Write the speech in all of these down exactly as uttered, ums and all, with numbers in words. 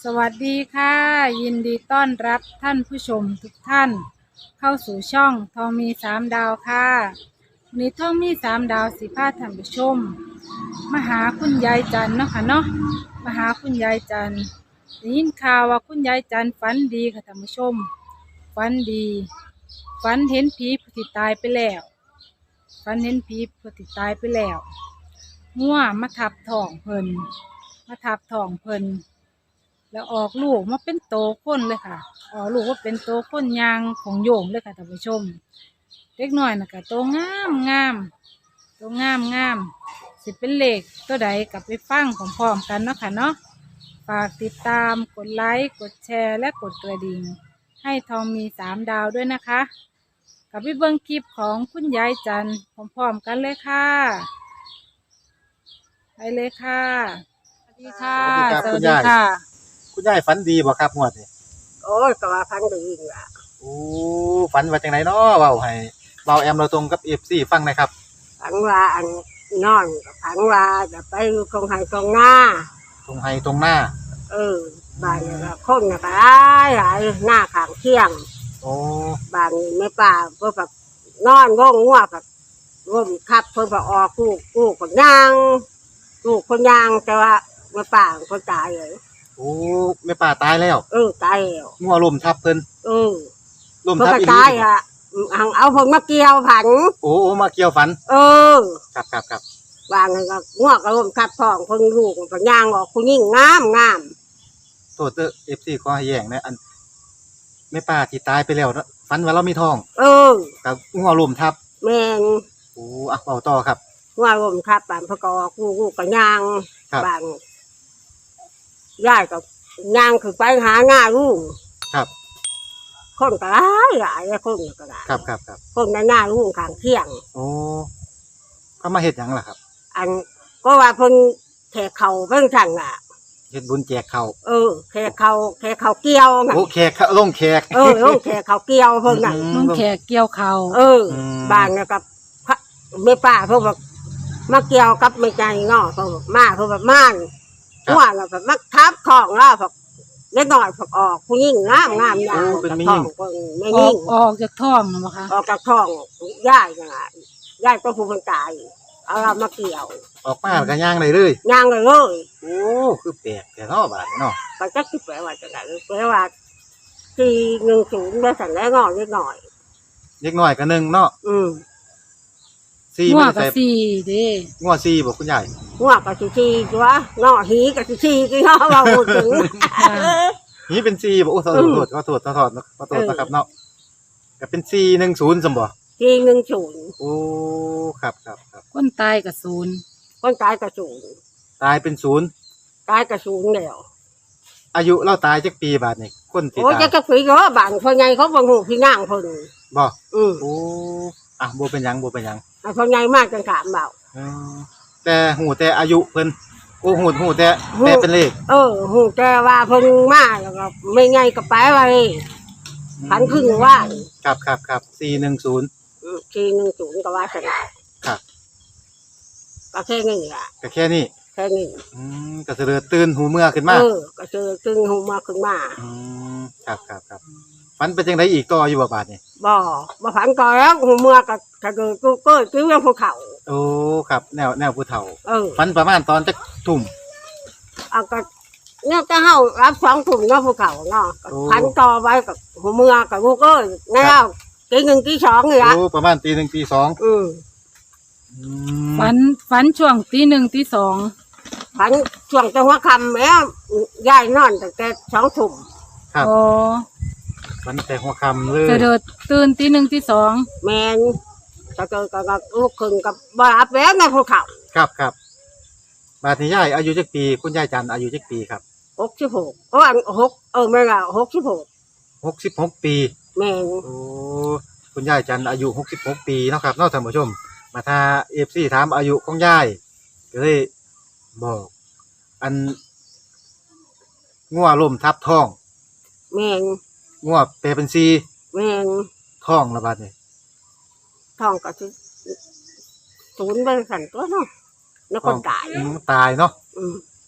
สวัสดีค่ะยินดีต้อนรับท่านผู้ชมทุกท่านเข้าสู่ช่องทองมีสามดาวค่ะวันนี้ทองมีสามดาวสิพาท่านผู้ชมมาหาคุณยายจันเนาะค่ะเนาะมาหาคุณยายจันได้ยินข่าวว่าคุณยายจันฝันดีค่ะท่านผู้ชมฝันดีฝันเห็นผีผู้ที่ตายไปแล้วฝันเห็นผีผู้ที่ตายไปแล้วงัวมาทับท้องเพิ่นมาทับท้องเพิ่นแล้วออกลูกมาเป็นโตคนเลยค่ะออกลูกว่าเป็นโตคนยางของโยมเลยค่ะท่านผู้ชมเล็กน้อยน่ะก็โตงามงามโตงามงามสิเป็นเลขตัวใดกลับไปฟังพร้อมๆกันเนาะค่ะเนาะฝากติดตามกดไลค์กดแชร์และกดกระดิ่งให้ทองมีสามดาวด้วยนะคะกับไปเบิ่งคลิปของคุณยายจันพร้อมๆกันเลยค่ะไปเลยค่ะสวัสดีค่ะสวัสดีครับคุณยายค่ะคุณยายฝันดีบ่ครับงวดนี้โอ้ยก็ว่าพันดีนี่ล่ะโอ้ฝันว่าจังไดเนาะเว้าให้เว้าแอมเราตรงกับ เอฟ ซี ฟังหนะครับพันว่าอันนอนกับพันว่าจะไปอยู่ตรงไห้ตรงหน้าตรงไห้ตรงหน้าเออบ้านนี่ก็คนน่ะก็หลายหลายหน้าข้างเที่ยงโอ้บ้านนี้ไม่ป่าเพิ่นแบบนอนง่วงงัวแบบร่มคับเพิ่นก็ออกลูกลูกคนยางลูกคนยางแต่ว่าไม่ป่าคนตายเลยโอ้แม่ป้าตายแล้วเออตายแล้วงัวล้มทับเพิ่นเออล้มเพิ่นทับก็อีหลีตายอ่ะหังเอาเพิ่นมาเกี่ยวผันโอ้โอ้มาเกี่ยวฝันเออครับครับครับวางก็งวกก็ร่มคับท้องเพิ่นลูกเพิ่นย่างออกผู้หญิงงามงามโทษเด้อ เอฟ ซี ขอให้แย้งนะอันแม่ป้าที่ตายไปแล้วเนาะฝันว่าเรามีท้องเออกับงัวล้มทับแม่นโอ้อ่ะเว้าต่อครับว่าร่มคับบ้านพระกอกูกูก็ย่างครับบ้านยายก็ย่างคือไปหาง่าลูกครับคนก็หลายหลายคนก็หลายครับครับครับคนในหน้าลูกข้างเที่ยงโอ้เขามาเฮ็ดหยังล่ะครับอันก็ว่าเพิ่นแขกเขาเพิ่นสั่งอ่ะเฮ็ดบุญแจกข้าวเออแขกเขาแขกเขาเกี่ยวน่ะโอ้แขกเขาลงแขกเออลงแขกเขาเกี่ยวเพิ่นน่ะอืมลุงแขกเกี่ยวเขาเอออมบ้านเนี่ยกับพระแม่ป้าเพิ่นบอกมาเกี่ยวกับไม่ใจเนาะเพิ่นบอกมาเพิ่นแบบม่านครับว่าแล้วแบบมักทับของแล้วแบบเล็กน้อยผักออกผู้หญิงงามงามยาวโอ้เป็นจากแม่ท้หญิองงเพิ่นแม่อหอญิกงออกจากท้องนะมั้งคะออกจากท้องย่ายน่ะย่ายก็ผู้คนตายเอาเรามาเกี่ยวออกมาแล้วก็ย่างได้เลยย่างเลยเลยโอ้ คือแปลกแต่เนาะบาดนี้เนาะก็จะคิดแปลว่าจะไหนแปลว่าสี่หนึ่งศูนย์ได้สั่นแล้วงอนิดหน่อยเล็กน้อยก็หนึ่งเนาะอืมสี่งัวไม่กับได้ใส่สี่เด้งัวสี่บ่คุณยายหัวกับสิชีจ้วะงอหีกับสิชีกี่งอเราพูดถึงนี่เป็นสี่บ่โอ้ขออืมโทษขอโทษขอโทษขอโทษนะครับเนาะก็เป็นสี่หนึ่งศูนย์ซั่นบ่สี่หนึ่งศูนย์โอ้ ครับครับครับคนตายกับศูนย์คนตายกับศูนย์ตายเป็นศูนย์ตายกับศูนย์แล้วอายุเราตายจักปีบาดนี้คนที่โอ้ยตายจะกระฝีเยอะบางคนไงเขาบังหูพี่นางเพิ่นบ่อืมโอ้อ่ะบ่เป็นหยังบ่เป็นหยังไอ้คนไงมากจังถามเบาเออแต่หูแต่อายุเพิ่นโอ้หูหูแต่แต่เป็นเลขเออหูแต่ว่าเพิ่นมาแล้วก็ไม่ไงก็ไปไว้พันครึ่งว่าครับครับครับสี่หนึ่งศูนย์อืมทีหนึ่งศูนย์ก็ว่าสนายครับก็แค่นี้ล่ะก็แค่นี้แค่นี้อืมก็เสลือตื่นหูเมื่อขึ้นมาเออก็เจอตึงหูมาขึ้นมาอืมครับครับครับฝันเป็นจังไดอีกต่ออยู่บ่บาดนี่บ่บ่ผันก่อนแล้วหูเมื่อก็ก็เกิดกูเกิดกิ้วยังภูเขาโอ้ครับแนวแนวผู้เฒ่าเออฝันประมาณตอนจักทุ่มเอาก็เนี่ยจะเฮารับสองถุงเนาะภูเขาเนาะก็โอ้พันต่อไว้กับหูเมื่อกับกูเกิดแล้วกี่หนึ่งกี่สองนี่ละโอ้ประมาณตีหนึ่งตีสองอืมอืมฝันฝันช่วงตีหนึ่งตีสองพันช่วงจังหวะคำแล้วย้ายนอนตั้งแต่สองถุงครับโอ้ฝันแต่หัวค่ำเลยเสด็จตื่นตีหนึ่งตีสองแมนก็เกิดกับลูกขึ้นกับบารับแล้วในภูเขาครับครับบาดนี้ยายอายุจักปี คุณยายจันทร์อายุจักปีครับหกสิบหกโอ้อันหกเออไม่ละหกสิบหกหกสิบหกปีแมนโอ้คุณยายจันทร์อายุหกสิบหกปีเนาะครับเนอกท่านผู้ชม มาถ้าเอฟซีถามอายุของยายก็เลยบอก อันงัวล้มทับท้องแมนงัวแปลเป็นซีแมนท้องระบาดนี่ท้องก็สิศูนย์เป็นสันตัวเนาะแล้วคนตายอืมตายเนาะอืมแ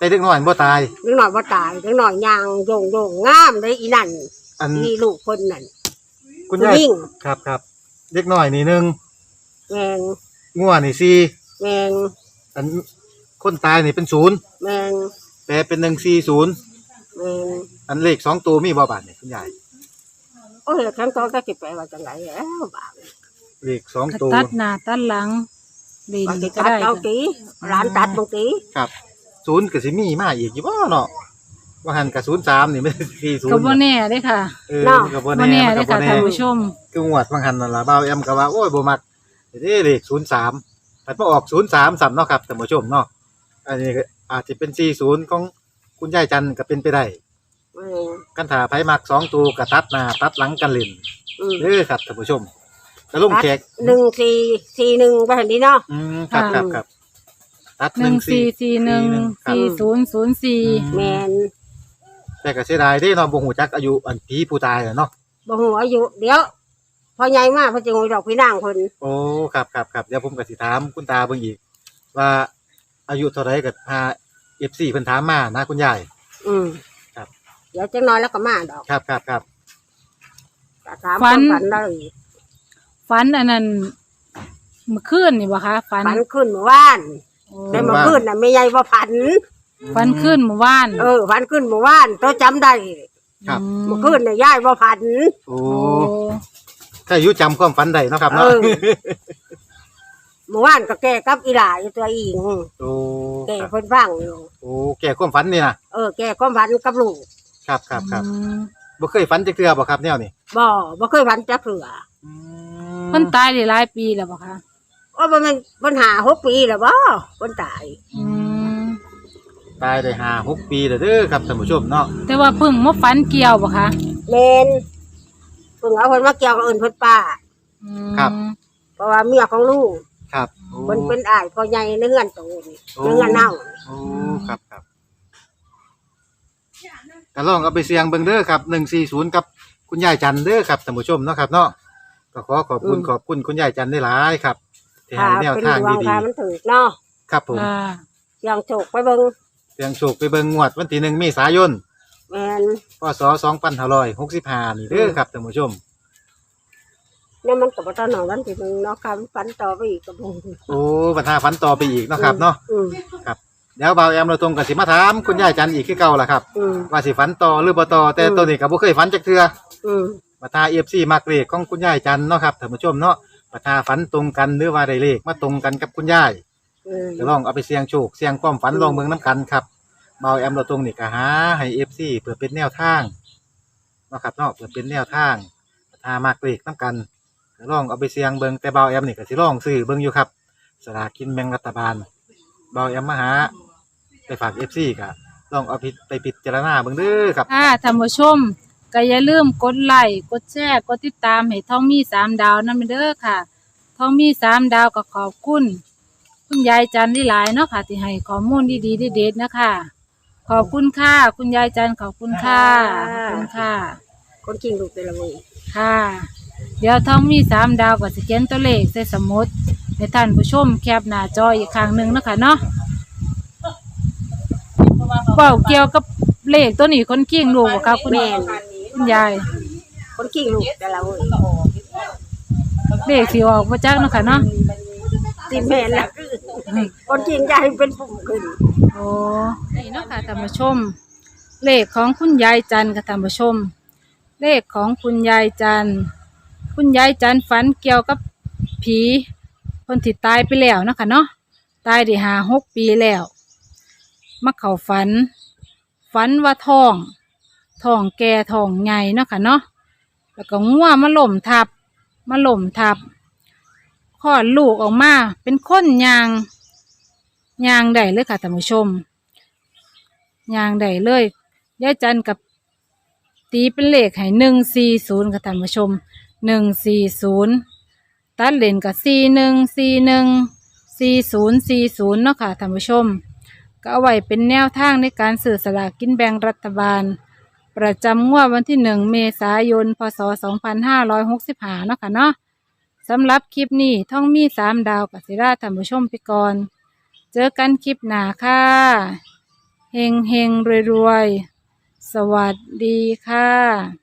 แต่เด็กน้อยบ่ตายเด็กน้อยบ่ตายเด็กน้อยย่างโยงโยงงามเลยอีนั่นอันนี่ลูกคนนั่นคุณยายผู้หญิงครับครับเด็กน้อยนี่หนึ่งแมงงัวนี่สี่แมงอันคนตายนี่เป็นศูนย์แมงแปลเป็นหนึ่งสี่ศูนย์แมงอันเลขสองตัวมีบ่บาทนี่คุณยายโอ้ยทั้งตัวก็สิไปว่าจังไดแล้วบาดเลขสองก็ตัวตัดหน้าตัดหลังดินว่าสิก็ตัดได้เอาค่ะตีร้านตัดบางตีครับศูนย์ก็สิมีมาอีกอยู่บ่เนาะว่าหันกับศูนย์สามนี่ไม่สี่ศูนก็ย์บ่แน่เด้ค่ะเออก็บ่บ่แน่แน่มันเด้ก็บ่ค่ะแน่ท่านผู้ชมคืองวดบางหันนั่นล่ะบ่าวแอมก็ว่าโอ้ยบ่มักเด้เลขศูนย์สามแต่พอออกศูนย์สามซ้ำเนาะครับท่านผู้ชมเนาะอันนี้ก็อาจจะเป็นสี่ศูนย์ของคุณยายจันทร์ก็เป็นไปได้แมงกันถ้าไผมักสองตัวก็ตัดหน้าตัดหลังกันเล่นอืมเด้อครับท่านผู้ชมกระลุ่มแขกหนึ่งสี่สี่หนึ่งไปเห็นดีเนาะอืมครับครับครับตัดหนึ่งสี่สี่หนึ่งครับสี่ศูนย์ศูนย์สี่แมนแต่ก็เสียดายเด้เนาะบ่ฮู้จักอายุอันผีผู้ตายอะเนาะบ่ฮู้อายุเดี๋ยว พอใหญ่มากเพิ่นจะงูดอกพี่นางเพิ่นโอ้ครับครับครับเดี๋ยวผมก็สิถามคุณตาเบิ่งอีก ว่าอายุเท่าไรก็พา เอฟ ซี เพิ่นถามมานะคุณยายอืมครับเดี๋ยวจังน้อยแล้วก็มาดอกครับครับครับก็ถามความฝันได้ฝันอันนั้นเมื่อคืนนี่บ่คะฝันฝันขึ้นเมื่อวานโอ้แต่เมื่อคืนน่ะไม่ใหญ่บ่ฝันฝันคืนเมื่อวานเออฝันขึ้นเมื่อวานตัวจำได้ครับเมื่อคืนน่ะยายบ่ฝันโอ้โอ้ถ้าอายุจำความฝันได้เนาะครับเอเนาะอ เมื่อวานก็แก้กับอีหลาอยู่ตัวอิงโอ้แก้ครับเพิ่นฟังอยู่โอ้แก่ความฝันนี่นะเออแก้ความฝันกับลูกครับครับครับอืมบ่เคยฝันจักเทื่อบ่ครับแนวนี้บ่บ่เคยฝันจักเถื่ออืเพิ่นตายได้หลายปีแล้วบ่คะโอ้บ่แม่นปัญหาหกปีแล้วบ่เพิ่นตายอืมตายได้ห้าหกปีแล้วเด้อครับท่านผู้ชมเนาะแต่ว่าเพิ่งมาฝันเกี่ยวบ่คะแมนเพิ่งเอาเพิ่นมาเกี่ยวกับเอิ้นเพิ่นป้าอืมเพราะว่าเมียของลูกครับโอ้เพิ่นเป็นอ้ายพ่อใหญ่ในเฮือนโตนี่โอ้ในเฮือนเน่าโอ้ครับครับก็ลองเอาไปเสี่ยงเบิ่งเด้อครับหนึ่งสี่ศูนย์กับคุณยายจันทร์เด้อครับท่านผู้ชมเนาะครับเนาะก็ขอขอบคุณขอบคุณคุณยายจันทร์ได้หลายครับที่ให้แนวเป็นทางดวงดีค่ะมันถูกเนาะๆครับผมอ่าเสียงโชคไปเบิ่งเสียงโชคไปเบิ่งงวดวันที่หนึ่งเมษายนแม่นพศสองพันห้าร้อยหกสิบห้านี่เด้อครับท่านผู้ชมเนี่ยมันก็บ่ทันหนอวันที่หนึ่งเนาะค่ะมันฝันต่อไปอีกก็บ่โอ้ปัญหาฝันต่อไปอีกเนาะครับเนาะอืมเดี๋ยวบ่าวแอมเราตรงกับสิมาถามคุณยายจันทร์อีกคือเก่าล่ะครับอืมว่าสิฝันต่อหรือบ่ต่อแต่อืมตัวนี้ก็บ่เคยฝันจักเทื่ออืมมาทา เอฟ ซี มักเลขของคุณยายจันทร์เนาะครับท่านผู้ชมเนาะมาทาฝันตรงกันหรือว่าได้เลขมาตรงกันกับคุณยายอืมก็ลองเอาไปเสี่ยงโชคเสี่ยงความฝันอืมลองเบิ่งนํกันครับบ่าวแอมเราตรงนี่ก็หาให้ เอฟ ซี เพื่อเป็นแนวทางเนาะครับเนาะเพื่อเป็นแนวทางมาทามักเลขนํกันก็ลองเอาไปเสี่ยงเบิ่งแต่บ่าวแอมนี่ก็สิลองซื้อเบิ่งอยู่ครับสลากกินแบ่งรัฐบาลบ่าวแอมมาหาไปฝาก เอฟ ซี ก็ลองเอาไปไปพิจารณาเบิ่งเด้อครับค่ะท่านผู้ชมก็อย่าลืมกดไลค์กดแชร์กดติดตามให้ท้องมีสามดาวนำเด้อค่ะท้องมีสามดาวก็ขอบคุณคุณยายจันทร์หลายๆเนาะค่ะที่ให้ข้อมูลดีๆเด็ดๆนะคะขอบคุณค่ะคุณยายจันทร์ขอบคุณค่ะขอบคุณค่ะคนกินลูกแต่ละมื้อค่ะ เดี๋ยวท้องมีสามดาวก็สแกนตัวเลขใส่สมุดให้ท่านผู้ชมแคปหน้าจออีกครั้งหนึ่งเนาะคะเนาะเป่าเกี่ยวกับเลขตัวนี้คนกิ้งลูกบ่ครับคุณแม่นคุณยายคนกินลูกแต่ละมื้อเลขสีออกมาจากเนาะค่ะเนาะสิแม่นละคือคนกินยายเป็นปุ่มขึ้นโอ้นี่เนาะค่ะท่านผู้ชม เลขของคุณยายจันทร์ค่ะท่านผู้ชม เลขของคุณยายจันทร์คุณยายจันทร์ฝันเกี่ยวกับผีคนที่ตายไปแล้วเนาะค่ะเนาะตายได้ห้าหกปีแล้วมาเข้าฝัน ฝันว่าท้องท้องแก่ท้องใหญ่เนาะค่ะเนาะแล้วก็งัวมาล่มทับมาล่มทับคลอดลูกออกมาเป็นคนยางยางได้เลยค่ะท่านผู้ชมยางได้เลยยายจันกับตีเป็นเลขให้หนึ่งสี่ศูนย์ค่ะท่านผู้ชมหนึ่งสี่ศูนย์ตัดเลนกับสี่หนึ่งสี่หนึ่งสี่ศูนย์สี่ศูนย์เนาะค่ะท่านผู้ชมก็เอาไว้เป็นแนวทางในการซื้อสลากกินแบ่งรัฐบาล ประจำงวดวันที่หนึ่งเมษายนพศสองพันห้าร้อยหกสิบห้าเนาะค่ะเนาะสำหรับคลิปนี้ท่องมีสามดาวกับศิราท่านผู้ชมไปก่อน เจอกันคลิปหน้าค่ะเฮงเฮงรวยรวยๆ สวัสดีค่ะ